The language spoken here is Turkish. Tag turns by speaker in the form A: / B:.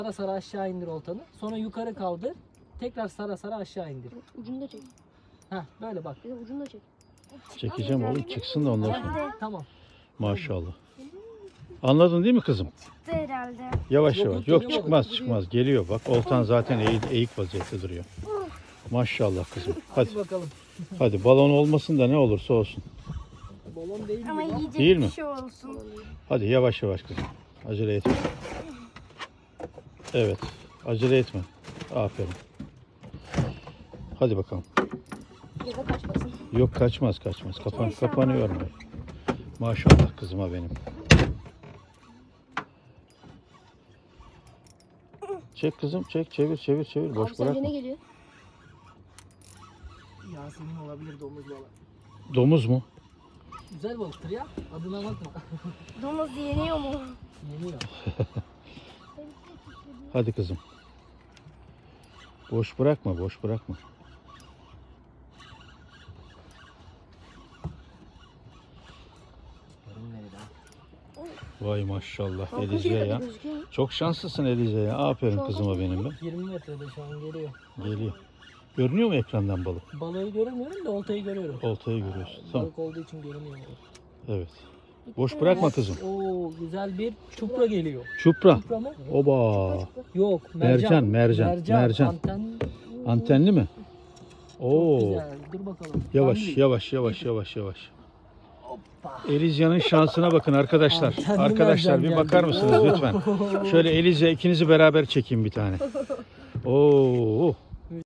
A: Sara sara aşağı indir oltanı. Sonra yukarı kaldır. Tekrar sara sara aşağı indir.
B: Ucunu da çek.
A: Heh, böyle bak.
B: Bir de ucunu da çek.
C: Çekeceğim oğlum, çıksın da ondan sonra.
A: Tamam.
C: Maşallah. Anladın değil mi kızım?
B: Çıktı herhalde.
C: Yavaş
A: Yok,
C: yavaş.
A: yok,
C: Yok,
A: yok.
C: çıkmaz çıkmaz. Geliyor bak. Oltan zaten eğik vaziyette duruyor. Maşallah kızım. Hadi.
A: Hadi bakalım.
C: Hadi balon olmasın da ne olursa olsun.
A: Balon değil
B: Ama
A: gibi.
B: yiyecek
C: Değil
B: bir
C: mi?
B: şey olsun.
C: Hadi yavaş yavaş kızım. Acele etme. Evet. Acele etme. Aferin. Hadi bakalım.
B: Ya da kaçmasın.
C: Yok, kaçmaz. Kapanıyor mu? Maşallah kızıma benim. Çek kızım, çek, çevir. Boş
B: Abi sence
C: bırakma.
B: ne geliyor?
A: Yasemin olabilir, domuz balığı.
C: Domuz mu?
A: Güzel balıktır ya. Adına bakma.
B: Domuz yeniyor mu?
A: Yeniyor.
C: Hadi kızım. Boş bırakma. Vay maşallah Elize ya.
B: Gözüküyor mu?
C: Çok şanslısın Elize ya. Aferin kızıma benim be.
A: 20 metrede şu an geliyor.
C: Geliyor. Görünüyor mu ekrandan balık?
A: Balığı göremiyorum da oltayı görüyorum.
C: Oltayı görüyorsun. Tamam.
A: Balık olduğu için görünüyor.
C: Evet. Boş bırakma kızım.
A: Oo, güzel bir çupra geliyor.
C: Çupra.
A: Çupra mı?
C: Oba.
A: Yok,
C: Mercan.
A: Anten.
C: Antenli mi?
A: Çok
C: Oo.
A: güzel. Dur bakalım.
C: Yavaş. Elizya'nın şansına bakın arkadaşlar.
A: Antenli
C: Arkadaşlar bir
A: mercan
C: bakar
A: geldi.
C: mısınız lütfen? Şöyle Elizya ikinizi beraber çekeyim bir tane. Oo.